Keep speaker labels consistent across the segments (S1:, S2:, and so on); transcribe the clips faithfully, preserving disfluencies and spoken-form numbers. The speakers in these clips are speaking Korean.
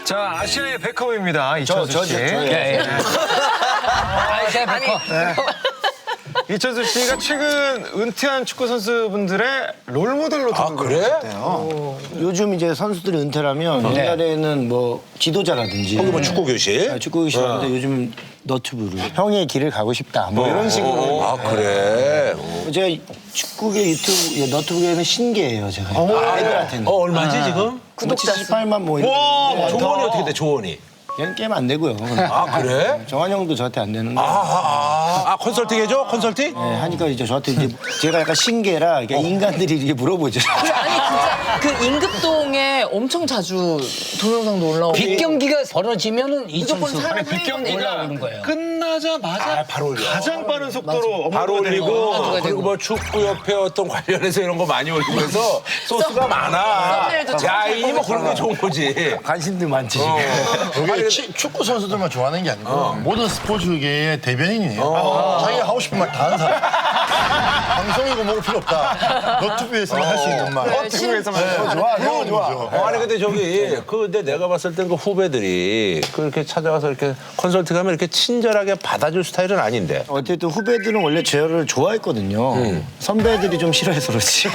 S1: 자, 아시아의 베컴입니다. 이천수
S2: 저,
S1: 씨.
S2: 저, 저예요.
S1: 예, 예.
S3: 아시아의 베컴.
S1: 이천수 씨가 최근 은퇴한 축구 선수분들의 롤모델로
S4: 아,
S1: 등극을
S4: 그래?
S1: 하셨대요.
S2: 요즘 이제 선수들이 은퇴하면 옛날에는 뭐 지도자라든지
S4: 거기 뭐 축구 교실?
S2: 아, 축구 교실인데 요즘 너튜브로 형의 길을 가고 싶다 뭐 이런 식으로
S4: 아, 그래?
S2: 제가 축구계 유튜브 너튜브계는 신기해요 제가 애들한테는
S4: 어, 얼마지, 지금?
S2: 구독자 칠십팔만 뭐 이런
S4: 와, 조원이 어떻게 돼, 조원이?
S2: 얘는 게임 안 되고요.
S4: 아, 그래?
S2: 정한 형도 저한테 안 되는데
S4: 아, 아, 아, 컨설팅 해줘? 컨설팅?
S2: 네, 하니까 이제 저한테 이제 제가 약간 신기해라 그러니까 인간들이 이렇게 물어보죠.
S5: 아니 진짜 그 임급동에 엄청 자주 동영상도 올라오고
S3: 빅 경기가 벌어지면은
S5: 무조건
S3: 이천수
S5: 사람이
S1: 빅 경기가
S3: 올라오는 거예요.
S1: 끝나자마자
S4: 바로 올려.
S1: 가장 빠른 속도로
S4: 바로
S1: 업로드가 되는
S4: 올리고,
S1: 거예요.
S4: 그리고 뭐 축구협회 어떤 관련해서 이런 거 많이 올리고 해서 소스가 많아.
S5: 썸네일도
S4: 야,
S5: 참
S4: 이뭐 그런 게 좋은 거지.
S2: 관심들 많지.
S6: 그게 치- 축구 선수들만 좋아하는 게 아니고 모든 스포츠계의 대변인이에요. 자기가 하고 싶은 말 다 하는 사람. 방송이고 뭐고 필요 없다. 너튜브에서만 할 수 있는 말.
S1: 너튜브에서만.
S6: 네, 좋아, 너무 좋아.
S4: 어, 아니 근데 저기 그 근데 내가 봤을 땐 그 후배들이 그렇게 찾아가서 이렇게 컨설팅하면 이렇게 친절하게 받아줄 스타일은 아닌데.
S2: 어쨌든 후배들은 원래 저를 좋아했거든요. 선배들이 좀 싫어해서 그렇지.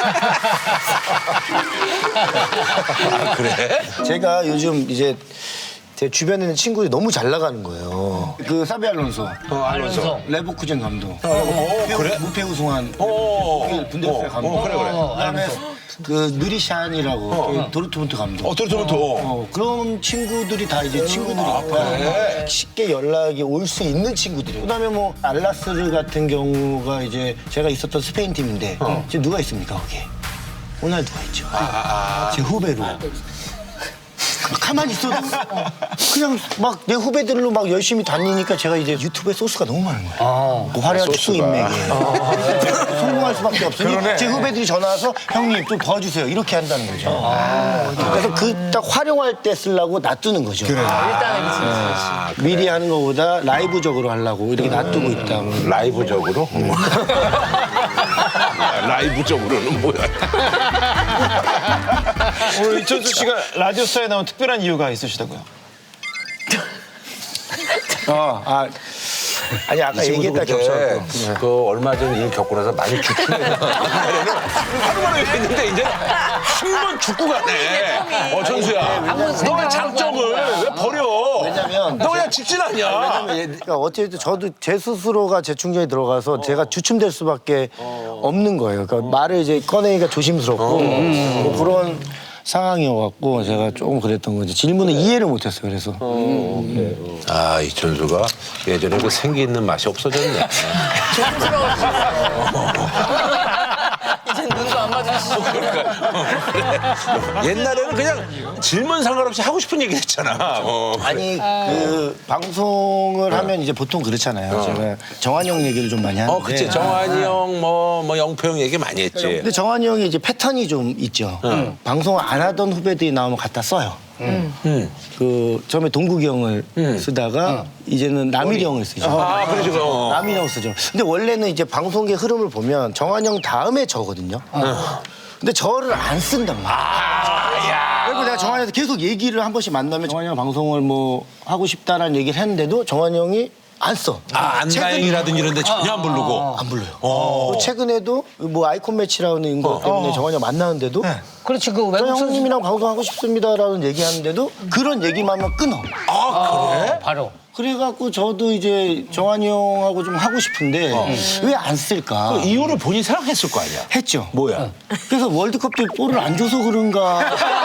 S4: 아, 그래?
S2: 제가 요즘 이제 제 주변에 있는 친구들이 너무 잘 나가는 거예요. 그 사비 알론소,
S3: 알론소.
S2: 레버쿠젠 감독,
S4: 어, 그래?
S2: 무패 우승한
S4: 어,
S2: 독일 분데스리가 감독,
S4: 어, 그래, 그래.
S2: 그다음에 그 느리샨이라고 그 도르트문트 감독.
S4: 어, 도르트문트.
S2: 어, 그런 친구들이 다 이제 친구들이니까 쉽게 연락이 올 수 있는 친구들이에요. 그다음에 뭐 알라스르 같은 경우가 이제 제가 있었던 스페인 팀인데 지금 누가 있습니까 거기에? 호날두가 있죠. 제 후배로. 가만히 있어도 그냥 막 내 후배들로 막 열심히 다니니까 제가 이제 유튜브에 소스가 너무 많은 거예요. 그 화려한 축구 인맥에 성공할 수밖에 없으니 제 후배들이 전화 와서 형님 좀 도와주세요 이렇게 한다는 거죠. 그래서 그 딱 활용할 때 쓰려고 놔두는 거죠.
S5: 일단은 그치, 그치.
S2: 미리 하는 것보다 라이브적으로 하려고 이렇게 놔두고 있다.
S4: 라이브적으로? 라이브적으로는 뭐야?
S1: 오늘 이천수 씨가 라디오스타에 나온 특별한 이유가 있으시다고요?
S2: 어, 아, 아니 아까 얘기했다 겹쳐갖고.
S4: 그 얼마 전 일 겪고 나서 많이 죽고 하루만에 했는데 이제 한 번 죽고 가네. 어, 천수야. 너의 장점을 왜 버려?
S2: 왜냐면
S4: 너 그냥 직진 아니야.
S2: 그러니까 어쨌든 저도 제 스스로가 재충전이 들어가서 제가 주춤될 수밖에 없는 거예요. 그러니까 말을 이제 꺼내기가 조심스럽고 뭐 그런 상황이어갖고 제가 조금 그랬던 거지. 질문을 이해를 못했어요. 그래서
S4: 아, 이천수가 예전에 그 생기 있는 맛이 없어졌네.
S5: 이젠 눈도 안 마주치시고
S4: 옛날에는 그냥 질문 상관없이 하고 싶은 얘기 했잖아. 어.
S2: 아니 그 방송을 하면 이제 보통 그렇잖아요. 제가 정한영 얘기를 좀 많이 하는데.
S4: 어, 그치. 정한이 형, 뭐, 뭐, 영표 형 얘기 많이 했지.
S2: 근데 정한이 형이 이제 패턴이 좀 있죠. 방송을 안 하던 후배들이 나오면 갖다 써요.
S4: 음.
S2: 그 처음에 동국이 형을 쓰다가 이제는 남일이 형을 쓰죠.
S4: 아, 그러죠. 어.
S2: 남일이 형 쓰죠. 근데 원래는 이제 방송계 흐름을 보면 정한이 형 다음에 저거든요. 근데 저를 안 쓴단 말이야. 그리고 내가 정한이한테 계속 얘기를 한 번씩 만나면 정한이 형 방송을 뭐 하고 싶다라는 얘기를 했는데도 정한이 형이 안 써.
S4: 아, 안다행이라든지 이런 데 전혀 안 부르고.
S2: 안 불러요. 그리고 최근에도 뭐 아이콘 매치라는 거 때문에 정한이 형 만나는데도
S3: 그렇지 그
S2: 저
S3: 외국 선수
S2: 형님이랑 방송하고 싶습니다라는 얘기하는데도 그런 얘기만 하면 끊어.
S4: 아, 그래?
S3: 바로.
S2: 그래갖고 저도 이제 정한이 형하고 좀 하고 싶은데 왜 안 쓸까?
S4: 그 이유를 본인이 생각했을 거 아니야.
S2: 했죠.
S4: 뭐야?
S2: 그래서 월드컵 때 볼을 안 줘서 그런가.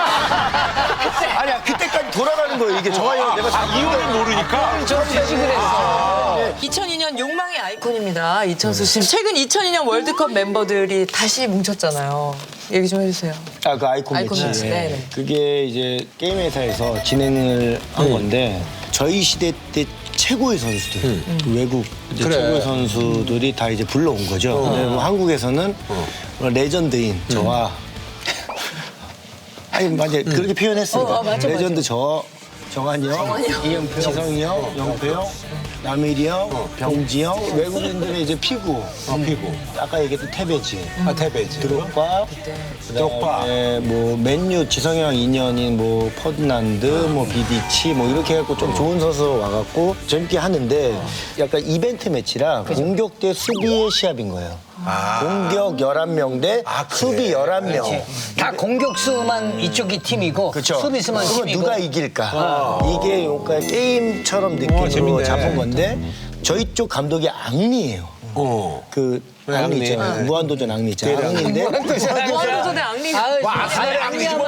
S2: 아니야 그때까지 돌아가는 거예요. 이게 정한이 형 내가
S4: 아, 이유를 모르니까?
S3: 저 제식을 했어.
S5: 이천이 년 욕망의 아이콘입니다. 이천수 씨. 최근 이천이 년 월드컵 멤버들이 다시 뭉쳤잖아요. 얘기 좀 해주세요.
S2: 아, 그 아이콘,
S5: 아이콘
S2: 매치.
S5: 매치, 네네.
S2: 그게 이제 게임 회사에서 진행을 한 건데 저희 시대 때 최고의 선수들, 그 외국 이제
S4: 그래.
S2: 최고의 선수들이 다 이제 불러온 거죠. 근데 뭐 한국에서는 뭐 레전드인 저와 아니 맞아 그렇게 표현했습니다.
S5: 어, 어, 맞아,
S2: 레전드 저 정한이 형, 이영표, 지성이 형, 영표 형, 남일이 형, 병지 형, 외국인들의 이제 피구.
S4: 피고.
S2: 아까 얘기했던 테베지,
S4: 아, 태베지.
S2: 드록바,
S4: 드록바.
S2: 그다음에 뭐 맨유 지성이 형 인연인 뭐 퍼드난드, 뭐 비디치 뭐 이렇게 해갖고 좀 좋은 선수 와갖고 재밌게 하는데 약간 이벤트 매치라 공격 대 수비의 시합인 거예요. 공격 열한 명 대
S4: 아, 그래.
S2: 수비 열한 명.
S3: 다 공격수만 이쪽이 팀이고
S2: 그렇죠.
S3: 수비수만
S2: 그러면
S3: 팀이고.
S2: 누가 이길까? 이게 약간 게임처럼 느낌으로
S4: 재밌네.
S2: 잡은 건데 저희 쪽 감독이 앙리예요.
S4: 어.
S2: 그
S4: 네,
S2: 앙리
S4: 앙리.
S2: 있잖아요.
S4: 네.
S2: 무한도전 앙리 있잖아요. 앙리인데
S5: 무한도전의 앙리.
S3: 아니야,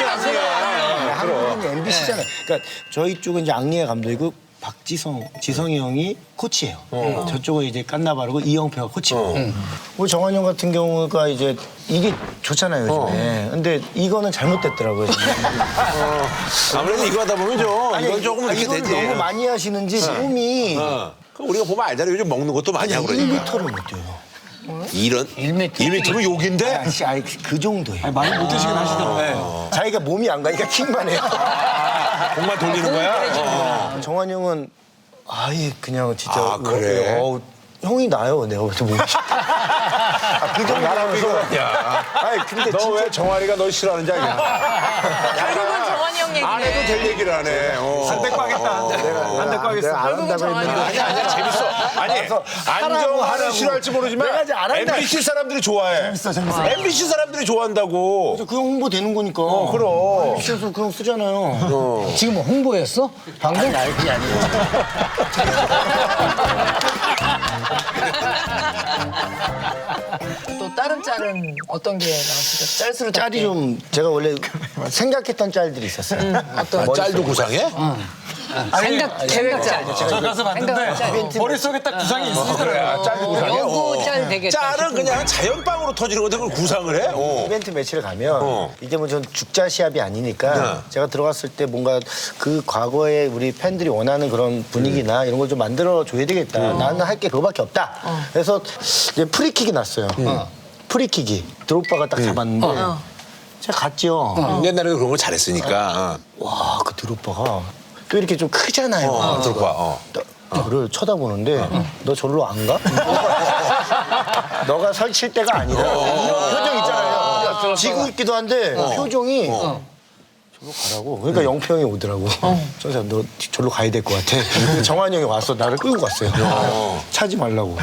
S2: 앙리는 엠비씨잖아요. 그러니까 저희 쪽은 이제 앙리의 감독이고 박지성, 지성이 형이 코치예요. 저쪽은 이제 깐나바르고 이영표가 코치고. 우리 정환이 형 같은 경우가 이제 이게 좋잖아요, 요즘에. 근데 이거는 잘못됐더라고요. 지금.
S4: 아무래도 이거 하다 보면 좀 이건 조금
S2: 아,
S4: 이렇게
S2: 이건
S4: 되지.
S2: 너무 많이 하시는지 몸이
S4: 어. 그럼 우리가 보면 알잖아요. 요즘 먹는 것도 많이 하고 그러니까.
S2: 일 미터를 못 뛰어요.
S4: 이런?
S3: 일 미터.
S4: 일 미터면 욕인데?
S2: 아니, 아니 그 정도예요.
S1: 많이 못 드시긴 하시더라고요.
S2: 자기가 몸이 안 가니까 킥만 해요.
S4: 공만 돌리는 거야? 어.
S2: 정환이 형은 아예 그냥 진짜
S4: 아, 그래?
S2: 어우, 형이 나요 내가 볼때 몸이. 아, 그 정도라면서.
S4: 야.
S2: 아니 근데
S4: 너
S2: 진짜
S4: 왜 정환이가 널 싫어하는지 알겠냐?
S5: 결국은 정환이 형 얘기네.
S4: 안 해도 될 얘기를 하네. 어.
S1: 한대 꽈겠다. 한대 꽈겠어.
S2: 내가 안
S5: 결국은
S2: 한다고
S5: 정환이
S2: 했는데.
S4: 아니 아니야 재밌어. 아니 안정환은
S2: 하라고.
S4: 싫어할지 모르지만
S2: 내가 이제 안 한다.
S4: 엠비씨 사람들이 좋아해.
S2: 재밌어, 재밌어.
S4: 엠비씨 사람들이 좋아한다고.
S2: 그 형 홍보 되는 거니까.
S4: 그럼.
S2: 그래서 그형 쓰잖아요.
S3: 지금 뭐 홍보였어? 방금?
S2: 아니 그게 아니에요.
S5: 또 다른 짤은 어떤 게 나왔을까? 짤수로
S2: 짤이 좀 제가 원래 생각했던 짤들이 있었어요.
S5: 어떤
S4: 아, 짤도 구상해?
S3: 생각, 계획 짤.
S1: 저 가서 봤는데 머릿속에 딱 구상이 있으시더라고요.
S4: 아, 짤도 구상해?
S3: 연구
S4: 어.
S3: 짤 되겠다.
S4: 짤은 그냥 자연빵으로 터지는 건데 그걸 구상을 해? 어.
S2: 이벤트 매치를 가면
S4: 어.
S2: 이게 뭐 전 죽자 시합이 아니니까
S4: 네.
S2: 제가 들어갔을 때 뭔가 그 과거에 우리 팬들이 원하는 그런 분위기나 이런 걸 좀 만들어 줘야 되겠다. 나는 할 게 그거밖에 없다. 그래서 이제 프리킥이 났어요. 프리킥이 드롭바가 딱 잡았는데 제가 갔죠.
S4: 옛날에도 그런 걸 잘했으니까.
S2: 와, 그 드롭바가 또 이렇게 좀 크잖아요.
S4: 어, 들고 와. 어.
S2: 저를 쳐다보는데 너 절로 안 가? 너가 설칠 때가 아니라 이런 표정 있잖아요. 지고 있기도 한데 표정이 절로 가라고. 그러니까 영표 형이 오더라고. 선생님 너 절로 가야 될 것 같아. 근데 정한이 형이 와서 나를 끌고 갔어요. 차지 말라고.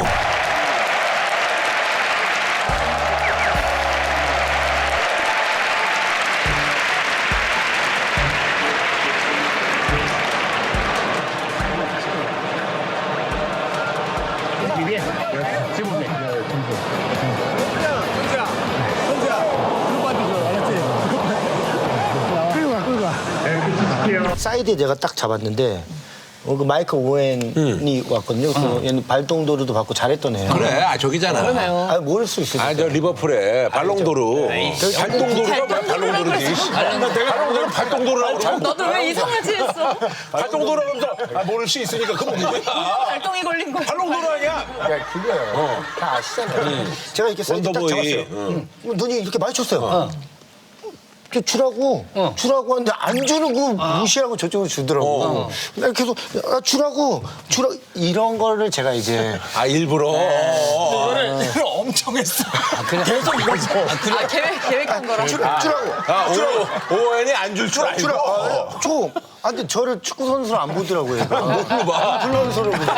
S2: 사이드에 내가 딱 잡았는데 어, 그 마이클 오웬이 왔거든요. 그 얘는 발동도르도 받고 잘했던 애예요.
S4: 그래, 아, 저기잖아.
S2: 아, 모를 수 있어요.
S4: 아, 저 리버풀에 발롱도르. 발동도르가 뭐야, 발롱도르지. 발롱도르 발동도르라고 그러고.
S5: 너도 왜 이상하지 했어?
S4: 발동도르 하면서 아, 모를 수 있으니까 그건 누구야?
S5: 발동이 걸린 거.
S4: 발롱도르 아니야?
S2: 야, 그거예요. 다 아시잖아요. 제가 이렇게 사이드 딱
S4: 원더보이.
S2: 잡았어요.
S4: 응.
S2: 그럼 눈이 이렇게 마주쳤어요. 저 주라고 주라고 하는데 안 주는 거 무시하고 저쪽으로 주더라고. 나 계속 아, 주라고 주라 이런 거를 제가 이제
S4: 아, 일부러.
S1: 이거를 이걸 엄청 했어. 계속 이거지.
S5: 아, 계획, 계획한 거라.
S2: 주라, 주라고
S4: 아, 오, 오웬이 안 줄 줄 알고.
S2: 주라. 아, 줘. 아, 근데 저를 축구 선수로 안 보더라고요.
S4: 뭘로 봐?
S2: 인플루언서로 보더라고.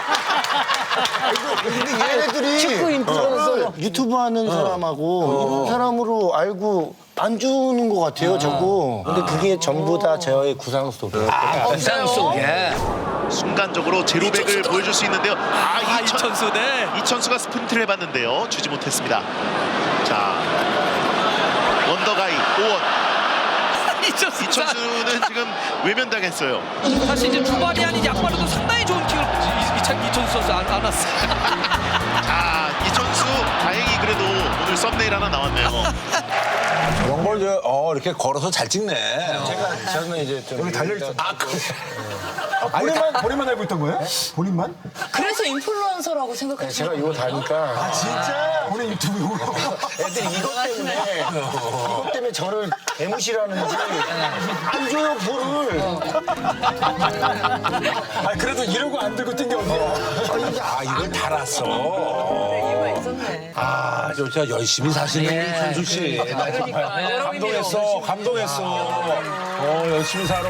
S2: 근데 얘네들이
S3: 축구 인플루언서로.
S2: 어, 유튜브 하는 사람하고 이런 사람으로 알고 안 주는 것 같아요, 자꾸. 근데 그게 전부 다 저의 구상 속에.
S3: 부상 속에.
S7: 순간적으로 제로백을 보여줄 수 있는데요. 아,
S1: 아,
S7: 이천,
S1: 이천수, 네.
S7: 이천수가 스프린트를 해봤는데요. 주지 못했습니다. 자, 원더가이 오원.
S1: 이천수.
S7: 이천수는 지금 외면당했어요.
S1: 사실 이제 주반이 아닌 양발로도 상당히 좋은 킥을 이- 이천- 이천수 선수 안, 안 왔어요.
S7: 자, 이천수 다행히 그래도 오늘 썸네일 하나 나왔네요.
S4: 그런 걸 저, 어, 이렇게 걸어서 잘 찍네.
S2: 제가 저는 이제 좀 여기 달려 있어.
S4: 아, 그래.
S8: 본인만 본인만 알고 있던 거예요? 본인만?
S5: 그래서 인플루언서라고 생각하시는
S2: 제가 이거 다니까
S8: 아 진짜? 본인 유튜브 이거.
S2: 애들이 이것 때문에 이것 때문에 저를 개무시라는지 안 줘요 볼을.
S8: 아 그래도 이러고 안 들고 뛴 게 어디야?
S4: 아, 이걸 달았어.
S5: 이유가 있었네.
S4: 아, 진짜 열심히 사시네, 천수 씨. 나 정말 감동했어, 감동했어. 어, 열심히 살아.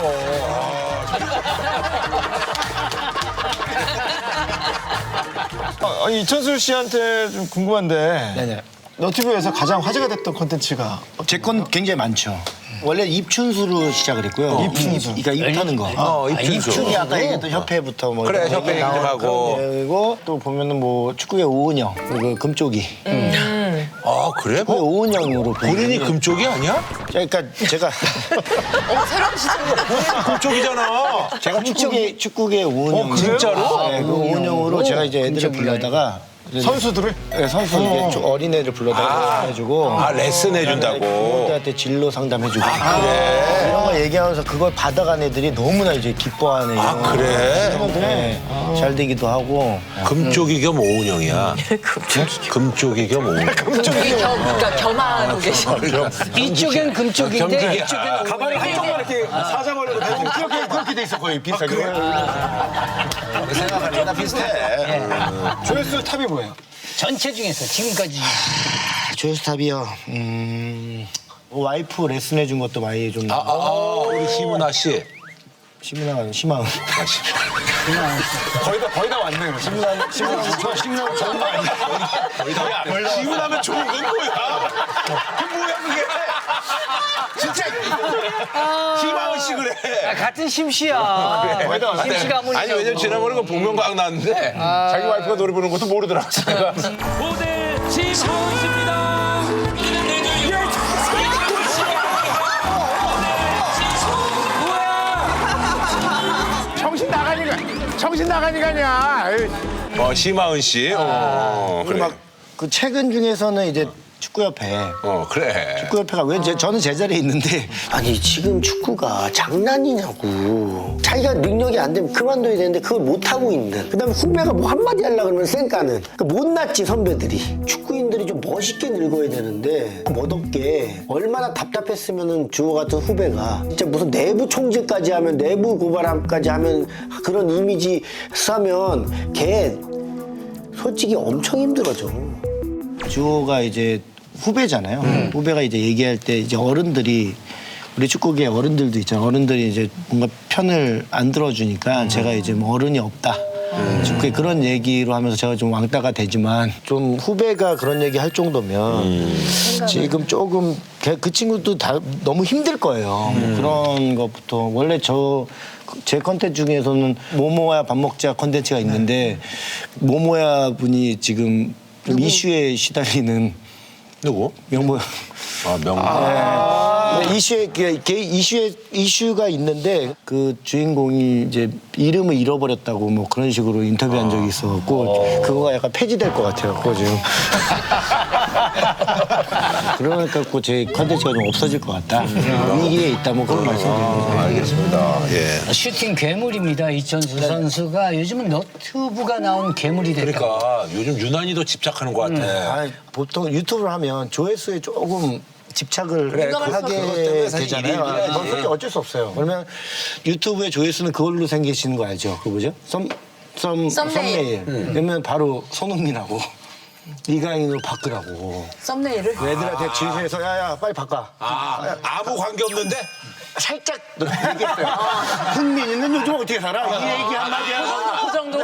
S8: 아니 이천수 씨한테 좀 궁금한데.
S2: 네네.
S8: 너튜브에서 가장 화제가 됐던 콘텐츠가
S2: 제 건 굉장히 많죠. 원래 입춘수로 시작을 했고요. 입춘수. 그러니까 입 타는 거.
S4: 어, 입춘수.
S2: 입춘이 아까 얘기했던 협회부터 뭐
S4: 그래,
S2: 이런
S4: 협회
S2: 얘기 나오는
S4: 행정하고.
S2: 그런 얘기고 또 보면은 뭐 축구의 오은영, 그 금쪽이.
S4: 아, 그래?
S2: 그
S4: 뭐,
S2: 오은영으로
S4: 본인이 금쪽이 아니야?
S2: 그러니까 제가
S5: 어, 새로운 시즌.
S4: 금쪽이잖아.
S2: 제가 축구계 축구계 오은영.
S4: 어, 진짜로?
S2: 네, 그 오은영으로 제가 이제 애들을 불러다가
S8: 선수들을?
S2: 네, 선수 이게 좀 어린애들 불러다가 해주고
S4: 아, 레슨 해준다고.
S2: 부모들한테 진로 상담해주고 이런 거 얘기하면서 그걸 받아간 애들이 너무나 이제 기뻐하는
S4: 아,
S2: 이런
S4: 그래?
S2: 네, 잘 되기도 하고
S4: 금쪽이 겸 오은영이야. 금쪽이 겸 오은영.
S5: 금쪽이 겸, 그러니까 겸하고 계신.
S3: 이쪽엔 금쪽인데
S4: 겸직이야.
S3: 이쪽엔
S8: 가발을 한쪽만 이렇게 사자벌려고 되는
S2: 그렇게 그렇게 돼 있어 거의 비슷하게.
S4: 생각하니까 비슷해.
S8: 조회수 탑이 뭐예요?
S3: 전체 중에서 지금까지
S2: 조회수탑이요. 음, 와이프 레슨 해준 것도 많이 좀
S4: 아, 아, 아, 우리 희문아 씨.
S2: 심은아 심한
S8: 거의 다 거의 다 왔네요.
S2: 심한 심한 저 심한 좋은 거 아니야?
S4: 희문하면 좋은 건 뭐야? 그 뭐야 그게? 진짜 희망은 씨 그래.
S3: 같은 심씨야. 심씨가 아무리
S4: 아니 왜냐면 지난번에 그 복면가왕 나왔는데 자기 와이프가 노래 부르는 것도 모르더라. 제가
S1: 모델 심하은 씨입니다.
S8: 정신 나가니까 정신 나가니까냐.
S4: 어 심하은 씨. 어 그래.
S2: 막그 최근 중에서는 이제 축구협회
S4: 어 그래.
S2: 축구협회가 왜 제, 저는 제자리에 있는데 아니 지금 축구가 장난이냐고 자기가 능력이 안 되면 그만둬야 되는데 그걸 못하고 있는 그다음에 후배가 뭐 한마디 하려고 그러면 쌩까는 그러니까 못났지 선배들이 축구인들이 좀 멋있게 늙어야 되는데 멋없게 얼마나 답답했으면은 주호 같은 후배가 진짜 무슨 내부 총질까지 하면 내부 고발함까지 하면 그런 이미지 싸면 걔 솔직히 엄청 힘들어져. 주호가 이제 후배잖아요. 음. 후배가 이제 얘기할 때 이제 어른들이 우리 축구계 어른들도 있잖아요. 어른들이 이제 뭔가 편을 안 들어주니까 음. 제가 이제 뭐 어른이 없다. 음. 축구에 그런 얘기로 하면서 제가 좀 왕따가 되지만 좀 후배가 그런 얘기 할 정도면 음. 지금 조금 그 친구도 다 너무 힘들 거예요. 음. 그런 것부터 원래 저 제 컨텐츠 중에서는 모모야 밥 먹자 컨텐츠가 있는데 모모야 분이 지금 좀 이슈에 시달리는
S4: 누구?
S2: 명모.
S4: 아 명모.
S2: 아~ 네, 이슈에 그 이슈에 이슈가 있는데 그 주인공이 이제 이름을 잃어버렸다고 뭐 그런 식으로 인터뷰한 적이 있었고 그거가 약간 폐지될 것 같아요. 그거 지금. 그러니까 제 컨텐츠가 좀 없어질 것 같다. 위기에 있다 뭐 그런 말씀드리는 거죠.
S4: 알겠습니다. 예.
S3: 슈팅 괴물입니다. 이천수 선수가 요즘은 너튜브가 나온 괴물이 됐다.
S4: 그러니까 요즘 유난히도 집착하는 것 같아.
S2: 아니, 보통 유튜브를 하면 조회수에 조금 집착을
S4: 그래, 그것
S2: 하게
S4: 때문에 사실
S2: 되잖아요.
S4: 일이 일이야지.
S2: 아, 그렇게 어쩔 수 없어요. 그러면 유튜브의 조회수는 그걸로 생기시는 거 알죠? 그 뭐죠? 썸, 썸,
S5: 썸네일.
S2: 썸네일. 그러면 바로 손흥민하고 이강인으로 바꾸라고.
S5: 썸네일을?
S2: 애들한테 주위에서 야야 빨리 바꿔.
S4: 아, 아무 관계 없는데?
S2: 살짝 얘기했어요. 흥민이는 요즘 어떻게 살아? 이 얘기 한마디 하고.
S5: 그 정도?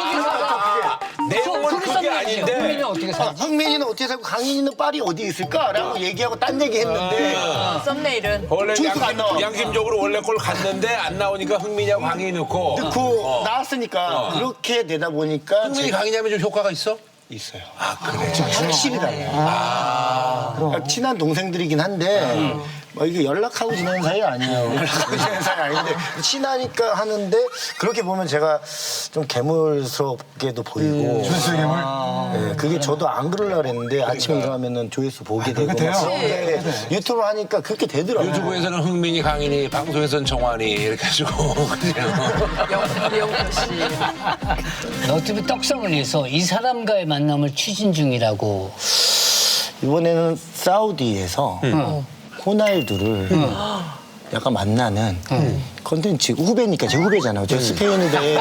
S4: 내용은 그게 아닌데.
S3: 흥민이는 어떻게 살지?
S2: 흥민이는 어떻게 살고 강인이는 빨이 어디 있을까라고 얘기하고 딴 얘기 했는데
S5: 썸네일은?
S4: 원래
S2: 중수가 안
S4: 양심,
S2: 나와.
S4: 양심적으로 원래 걸 갔는데 안 나오니까 흥민이하고 강인이 넣고.
S2: 넣고 나왔으니까 그렇게 되다 보니까
S4: 흥민이
S2: 제가
S4: 강인이 하면 좀 효과가 있어?
S2: 있어요.
S4: 아 그래.
S2: 확실히 달라요. 그러니까 친한 동생들이긴 한데 뭐 이게 연락하고 지내는 사이 아니에요. 연락하고 지내는 사이 아닌데 친하니까 하는데 그렇게 보면 제가 좀 괴물스럽게도 보이고.
S8: 조회수 괴물?
S2: 네, 그게 저도 안 그러려고 그랬는데 아침에 일어나면은 조회수 보게 되고.
S8: 돼요?
S2: 막 그런데 유튜브 하니까 그렇게 되더라고요.
S4: 유튜브에서는 흥민이, 강인이, 방송에서는 정환이 이렇게 해주고 그냥.
S5: 이영표 씨.
S3: 너튜브 떡상을 위해서 이 사람과의 만남을 추진 중이라고.
S2: 이번에는 사우디에서 호날두를 약간 만나는 컨텐츠 후배니까 제 후배잖아요. 저 스페인 후배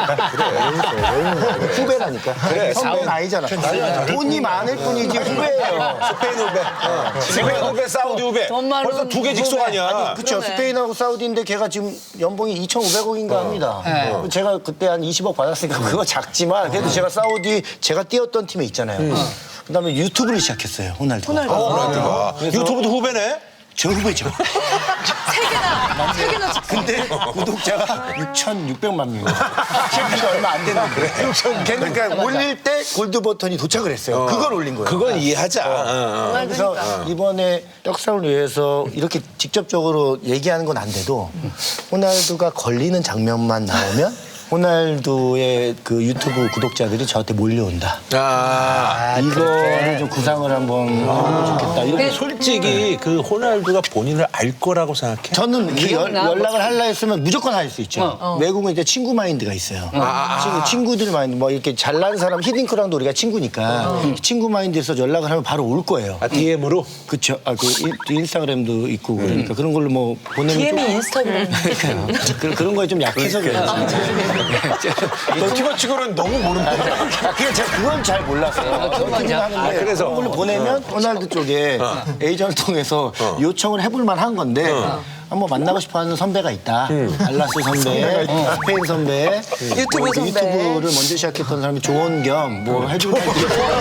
S2: 후배라니까. 그래, 선배는 아니잖아. 돈이 많을 뿐이지 후배예요.
S4: 스페인 후배. 스페인 후배, 사우디 후배.
S5: 돈 많은
S4: 벌써 두 개 직속 아니야.
S2: 그렇죠. 스페인하고 사우디인데 걔가 지금 연봉이 이천오백억인가 합니다. 어. 제가 그때 한 이십억 받았으니까 그거 작지만 그래도 제가 사우디 제가 뛰었던 팀에 있잖아요. 그다음에 유튜브를 시작했어요. 호날두.
S4: 어, 호날두가. 유튜브도 후배네?
S2: 저 후배죠.
S5: 세 개나, 세 개나 찍
S2: 근데 구독자가 육천육백만 명이에요. 지금 얼마 안 됐는데. 걔는 그러니까 올릴 때 골드 버튼이 도착을 했어요. 그걸 올린 거예요.
S4: 그건 이해하자. 어, 어.
S2: 그래서 이번에 떡상을 위해서 이렇게 직접적으로 얘기하는 건 안 돼도 호날두가 걸리는 장면만 나오면 호날두의 그 유튜브 구독자들이 저한테 몰려온다.
S4: 아,
S2: 이거를 좀 구상을 한번 해보면 좋겠다. 이렇게
S4: 솔직히 그 호날두가 본인을 알 거라고 생각해?
S2: 저는 그 연,
S3: 기억나?
S2: 연락을 하려 했으면 무조건 할 수 있죠. 외국은 이제 친구 마인드가 있어요. 친구, 친구들 마인드, 뭐 이렇게 잘난 사람, 히딩크랑도 우리가 친구니까 친구 마인드에서 연락을 하면 바로 올 거예요.
S4: 아, 디엠으로?
S2: 그쵸. 아, 그 인- 인스타그램도 있고 그러니까 그런 걸로 뭐 보내면
S5: 디엠이
S2: 좀
S5: 인스타그램.
S2: 그런, 그런 거에 좀 약해서 그래요.
S4: 너튜버 치고는 너무 모른다.
S2: 아, 그냥 제가 그건 잘 몰랐어요. 그건 하는데
S4: 아, 그래서?
S2: 그런 걸로 보내면 호날두 쪽에 에이전을 통해서 요청을 해볼 만한 건데 한번 만나고 싶어하는 선배가 있다. 알라스 선배, 스페인 선배,
S5: 유튜브
S2: 뭐
S5: 선배.
S2: 유튜브를 먼저 시작했던 사람이 조언 겸 뭐 해줄 텐데.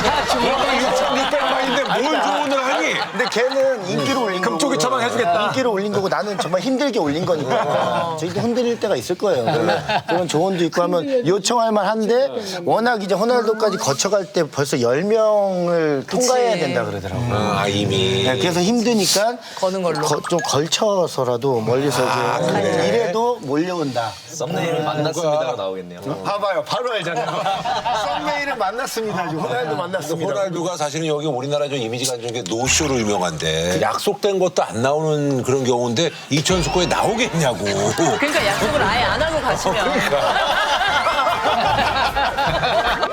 S4: 육백만인데 뭘 조언을 하니?
S2: 근데 걔는 인기를 올린 거고
S8: 금쪽이 처방 해주겠다.
S2: 인기를 올린 거고 나는 정말 힘들게 올린 거니까 저희도 흔들릴 때가 있을 거예요. 그러면 그런 조언도 있고 하면 요청할 만한데 워낙 이제 호날두까지 거쳐갈 때 벌써 열 명을 통과해야 된다 그러더라고요.
S4: 아, 이미.
S2: 네, 그래서 힘드니까
S5: 거는 걸로.
S2: 거- 좀 걸쳐서라도 멀리서 이제 이래도 몰려온다.
S1: 썸네일을 만났습니다가 나오겠네요.
S2: 봐봐요, 바로 알잖아요. 썸네일을 만났습니다. 지금 호날두 만났습니다.
S4: 호날두가 사실은 여기 우리나라 좀 이미지가 안 좋은 게 노쇼로 유명한데 약속된 것도 안 나오는 그런 경우인데 이천수 거에 나오겠냐고.
S5: 그러니까 약속을 아예 안 하고 가시면.